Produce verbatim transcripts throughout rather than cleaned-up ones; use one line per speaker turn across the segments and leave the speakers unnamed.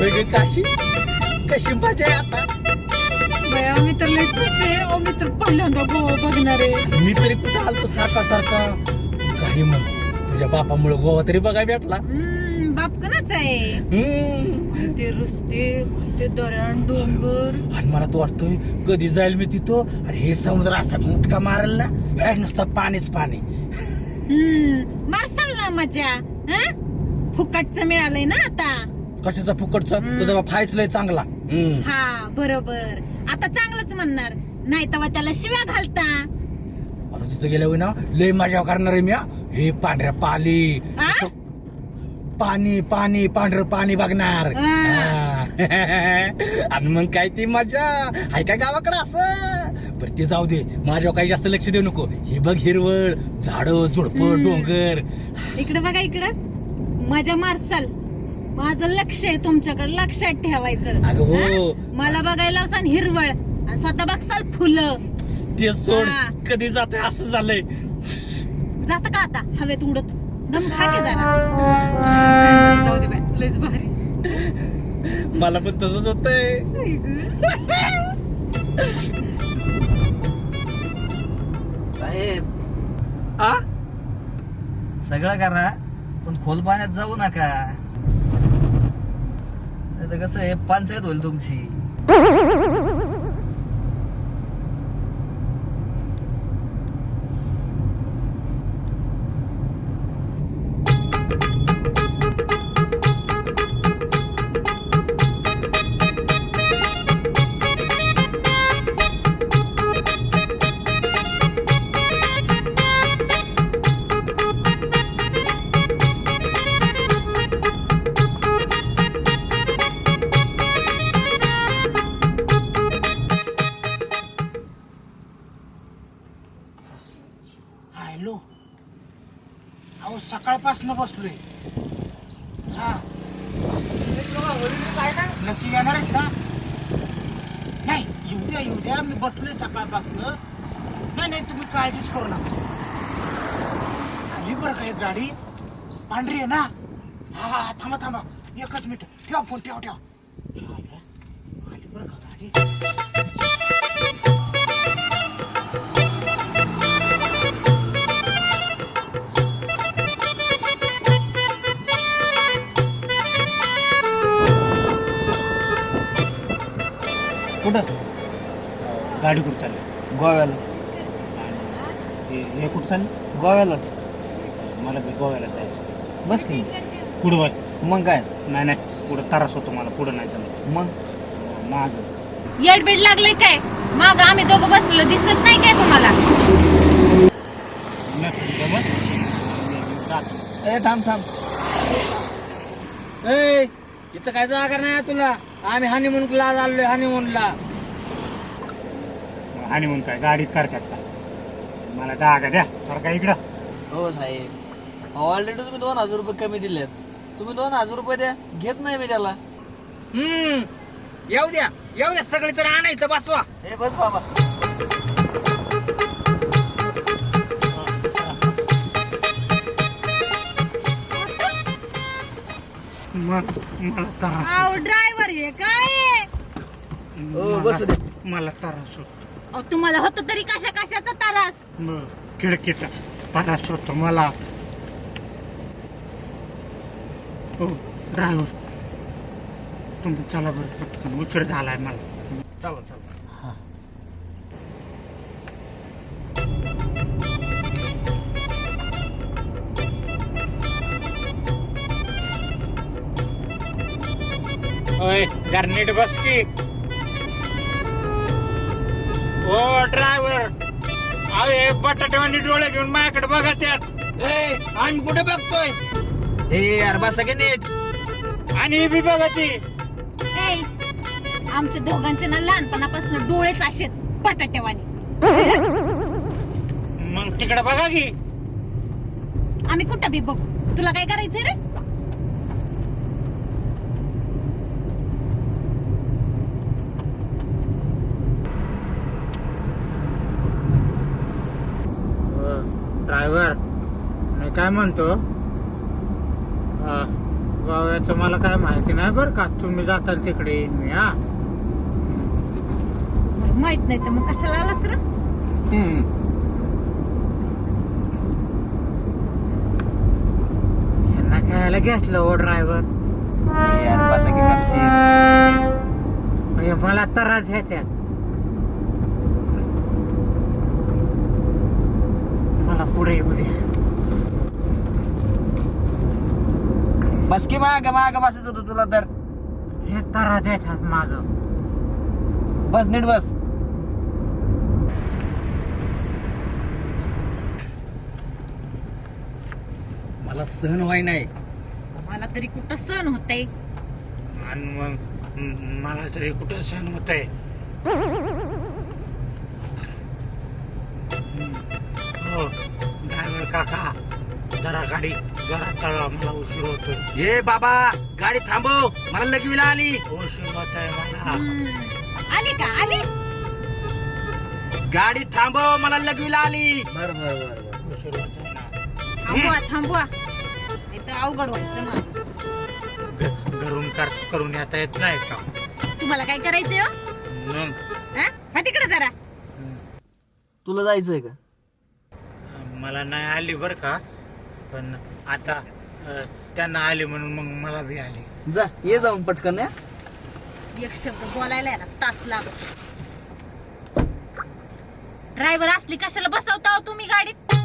होय ग काशी, कशी मजा आहे आता.
बया मी तर लई खुश आहे. अहो, मी तर पहिल्यांदा गोवा बघणार आहे.
मी तरी कुठं आलतो सारखा सारखा. काही म्हण, तुझ्या बापामुळे गोवा तरी बघायला भेटला.
हम्म, बाप कनाच आहे.
हम्म.
ते रस्ते, ते दऱ्यान डोंगर.
आणि मला तर वाटतोय कधी जाईल मी तिथं. आणि हे समुद्र असा मुटका मारेल ना, हे नुसतं पाणीच पाणी.
हम्म, मारसाल ना मजा. हं? फुकटचं मिळालंय ना आता.
कशाचा फुकटचा, तुझा बाप हायच लय चांगला. हम्म.
हा बरोबर, आता चांगलंच म्हणणार. नाही तेव्हा त्याला शिव्या घालता.
आता तिथं गेल्यावर ना लय मजा करणार आहे मी. हा. हे पांढऱ्या पाली,
आ?
असं पाणी पाणी पांढरं पाणी बघणार.
आ.
हा. आणि मग काय ती मजा हाय का गावाकडे असं. बरं ते जाऊ दे, माझ्यावर काही जास्त लक्ष देऊ नको. हे बघ हिरवळ, झाड झुडप, डोंगर.
इकडे बघा, इकडं मजा मारसाल. माझं लक्ष आहे तुमच्याकडे, लक्षात ठेवायचं.
अगं हो.
हं? मला बघायला लावसान हिरवळ आणि स्वतः बघसाल फुलं.
ते सोड,
हा.
कधी जाते असं झालंय.
जात का आता हवेत उडत? दम खा की जरा. जाऊ दे बाय, लयच भारी.
मला पण तसंच होतंय.
साहेब
आ
सगळं करा पण खोल पाण्यात जाऊ नका. नाही तर कसं आहे, पंचायत होईल तुमची.
हॅलो, अहो सकाळपासून बसलोय. हा नक्की येणार आहेत का? नाही येऊ द्या येऊ द्या, मी बसलोय सकाळपासून. नाही नाही तुम्ही काळजीच करू नका. आली बरं का एक गाडी, पांढरी आहे ना. हा हा थांबा थांबा एकच मिनिट, ठेवा फोन, ठेवा ठेवा. आली बरं का गाडी.
कुठं?
गाडी कुठं चालली?
गोव्याला.
हे हे कुठं चालली?
गोव्यालाच.
मला बी गोव्याला जायचं.
बस की.
पुढं बाय.
मग काय?
नाही नाही पुढं त्रास होतो मला, पुढं नाही चालत.
मग
माग
येडबीड लागले काय? माग आम्ही दोघं बसलेलो दिसत नाही काय तुम्हाला?
नसेल जमत. जातो.
ए थांब थांब. ए इथं काय जागा नाही तुला. आम्ही हनीमूनला चाललोय, हनीमूनला.
आणि म्हणून काय गाडीत करतात का? मला जागा द्या सारखा इकडं.
हो साहेब, ऑलरेडी तुम्ही दोन हजार रुपये कमी दिलेत. तुम्ही दोन हजार रुपये द्या, घेत नाही मी त्याला.
हम्म येऊ द्या येऊ द्या, सगळे जण आणायचं बसवा.
हे बस बाबा.
मला त्रास,
अहो ड्रायव्हर हे काय?
हो बस दे.
मला त्रास होतो.
अहो तुम्हाला होत तरी कशा कशाचा त्रास?
खिडकीचा त्रास होतो मला. हो ड्रायव्हर, तुम्ही चला बरं पटकन, उशीर झालाय मला.
चला चला.
ओय गारनेट बस की. ओ ड्रायव्हर, अरे बटाट्यावानी डोळे घेऊन माझ्याकडे बघा त्यात. ए आम्ही कुठे बघतोय?
ए यार बस सगळे नीट.
आणि ही बी बघा ती.
ए, आमच्या दोघांचे ना लहानपणापासून डोळेच असेत बटाट्यावानी.
मग तिकडे बघा की.
आम्ही कुठं बी बघू, तुला काय करायचंय रे?
ड्रायव्हर, मी काय म्हणतो, गोव्याचं मला काय माहिती नाही बरं का. तुम्ही जाता तिकडे येईन मी. हा
माहित नाही तर मग कशाला आलास रे?
यांना खायला घेतलं ओ ड्रायव्हर.
यार बसा की गपची.
मला त्रास ह्याच्यात. मला पुढे येऊ द्या.
बस की माग माग बसायचं होतं तुला तर.
हे त्रास देतात माग.
बस नीट बस. मला सहन व्हाय नाही.
मला तरी कुठं सण होतंय.
आणि मग म- मला तरी कुठं सहन होत आहे. हो ड्रायव्हर काका जरा गाडी जरा चढवा. मला उशीर होतोय.
ए बाबा गाडी थांबव. मला लगवीला आली.
उशीर होत आहे मला.
आली का आली?
गाडी थांबव. मला लगवीला आली. बर बर बर
उशीर होत आहे ना.
थांबवा थांबवा. इथं अवघड व्हायचं माझं.
घ- घरून कर करून येता येत नाही का?
तुम्हाला काय करायचंय हो?
मग
हा? हा तिकडे जरा.
तुला जायचंय का?
मला नाही आली बर का. पण आता अ, त्यांना आली म्हणून मग मला बी आली.
जा ये जाऊन पटकन. या
एक शब्द बोलायला आहे ना तास लागतो. ड्रायव्हर असली कशाला बसवता हो तुम्ही गाडीत?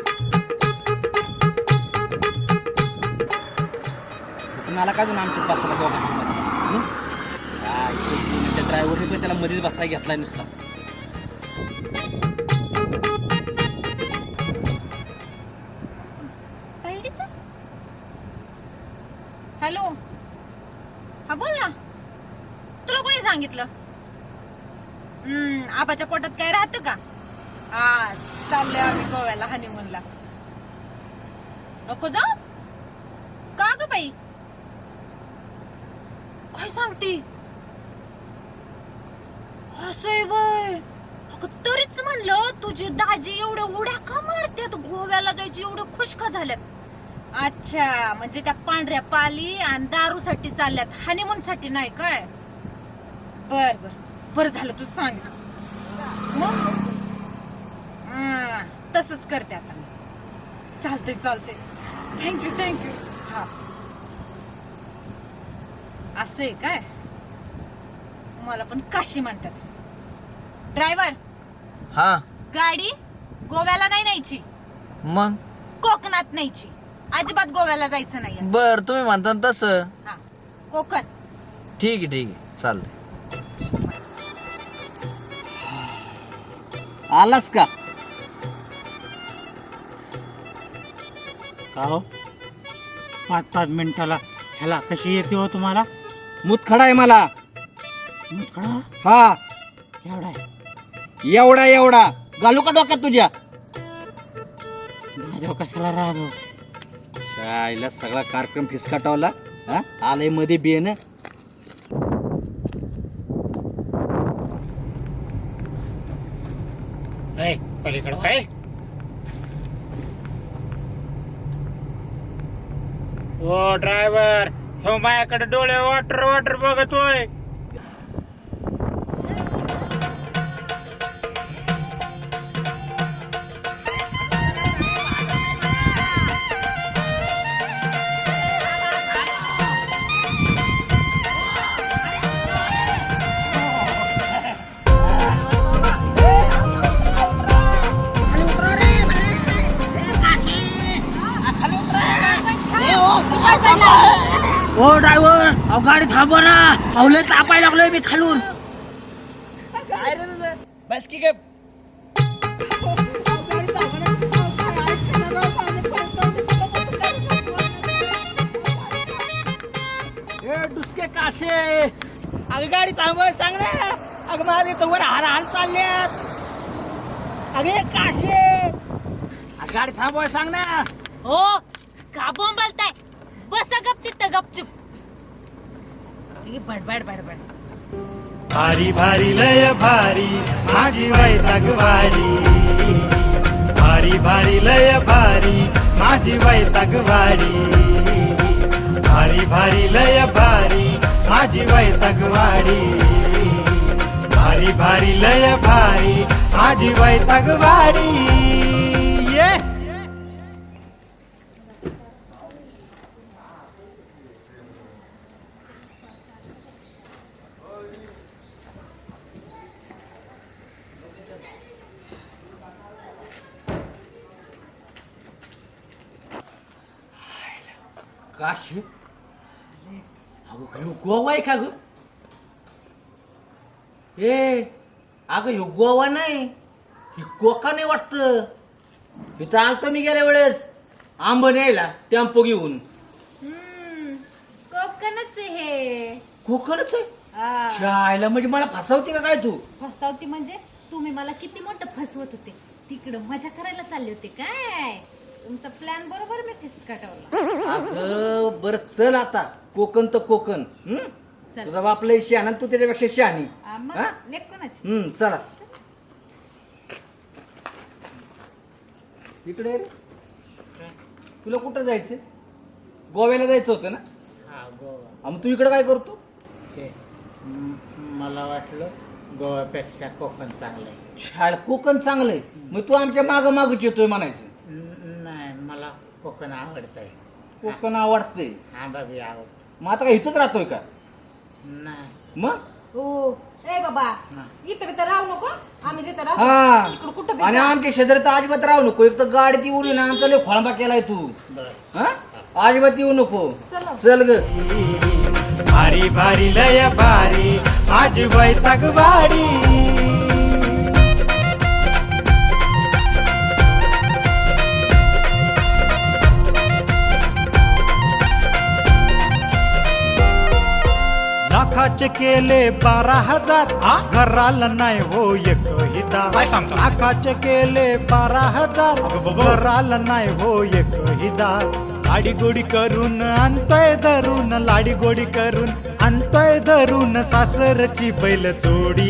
मला काय जण आमच्यात बसायला दोघांच्या मध्ये ड्रायव्हर त्याला मध्येच बसायला घेतलाय नुसता.
हॅलो हा बोल ना. तुला कोणी सांगितलं? हम्म आबाच्या पोटात काय राहतं का? हा चाललोय आम्ही गोव्याला हनीमूनला. नको जाऊ का ग बाई? काय सांगती? असंय वय. अगं तरीच म्हणलं तुझे दाजी एवढ्या उड्या का मारतात? गोव्याला जायची एवढे खुश का झाल्यात? अच्छा म्हणजे त्या पांढऱ्या पाली आणि दारूसाठी चालल्यात, हनीमून साठी नाही काय? बर बर बर झालं तू सांगितलं. मग तसंच करते आता. चालतंय चालतंय. Thank you thank you. हा असं आहे काय? मला पण काशी म्हणतात. ड्रायव्हर
हा
गाडी गोव्याला नाही न्यायची,
मग
कोकणात न्यायची. अजिबात गोव्याला जायचं नाही.
बर तुम्ही म्हणता तसं.
हा कोकण.
ठीक आहे ठीक आहे चालतंय. आलास का?
का हो पाच पाच मिनिटाला ह्याला कशी येते हो तुम्हाला?
मुतखडा आहे मला.
मुतखडा?
हा
एवढा आहे?
एवढा एवढा घालू का डोक्यात तुझ्या?
माझ्या कशाला राहतो?
शाळेला सगळा कार्यक्रम फिसकाटावला. हा आलंय मध्ये बियन.
पलीकडं काय? ओ ड्रायव्हर हो माझ्याकडे डोळे वाटर वाटर बघतोय.
ओ ड्रायव्हर अहो गाडी थांबवा ना. पावले तापायला लागलोय मी खालून. काय रे तुझं? बस की गप. डुसके काशे अगं गाडी थांबव सांग ना. अगं माझे तर वर हाल हाल चालल्यात. अगे काशे गाडी थांबव सांग ना.
हो का बोंबलताय? बसा गप तिथं गपचूप. बडबड बडबड.
भारी भारी लय भारी माझी वैतागवाडी. भारी भारी लय भारी माझी वैतागवाडी. भारी भारी लय भारी माझी वैतागवाडी भारी भारी लय भारी माझी वैतागवाडी ये
काशी अगं ह्यो गोवा आहे का ग ए अगं ह्यो गोवा नाही ही कोकण आहे वाटतं इथं आलतो मी गेल्या वेळेस आंब न्यायला टेम्पो घेऊन
हम्म, कोकणच आहे हे
कोकणच आहे
हा.
शाळेला म्हणजे मला फसवते का काय तू
फसवती म्हणजे तुम्ही मला किती मोठं फसवत होते तिकडं मजा करायला चालले होते काय तुमचा प्लॅन बरोबर मी फिसकाटवला
अगं बर चल आता कोकण तर कोकण हम्म?
चल.
तुझा बाप लय शहाणा तू त्याच्यापेक्षा शहाणी
आ, मग
हा?
लेक कोणाची
हम्म चला इकडे ये रे. तुला कुठं जायचं गोव्याला जायचं होतं ना
हा गोवा
हा, मग तू इकडे काय करतो
ते म- मला वाटलं गोव्यापेक्षा कोकण चांगलं आहे
शाळ कोकण चांगलंय मग तू आमच्या माग मागच येतोय म्हणायचं
न- नाही मला कोकण आवडत आहे
कोकण आवडतंय
हा बाबी आवडत
मग आता काय इथंच राहतोय का
नाही
मग
हो ए बाबा इथं बिथं राहू नको आम्ही जिथं राहू
हा
इकडं कुठं बी
आणि
जा.
आमच्या शेजारी तर अजिबात राहू नको एक तर गाडीत येऊ नये ना आमचा लय खोळंबा केलाय तू
बर
हा अजिबात येऊ नको
चला.
चल ग
भारी भारी लय भारी माझी वैतागवाडी लाखाचे केले बारा हजार घराला नाही हो एक हिता
काय सांगतो?
लाखाचे केले बारा हजार घराला नाही हो एक हिता लाडी गोडी करून आणतोय धरून लाडी गोडी करून आणतोय धरून सासरची बैल जोडी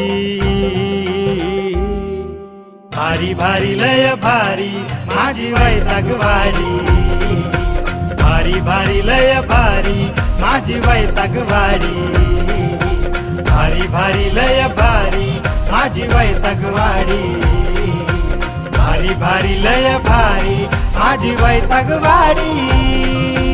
भारी भारी लय भारी माझी वैतागवाडी भारी भारी लय भारी माझी वैतागवाडी भारी भारी लय भारी माझी वैतागवाडी भारी भारी लय भारी माझी वैतागवाडी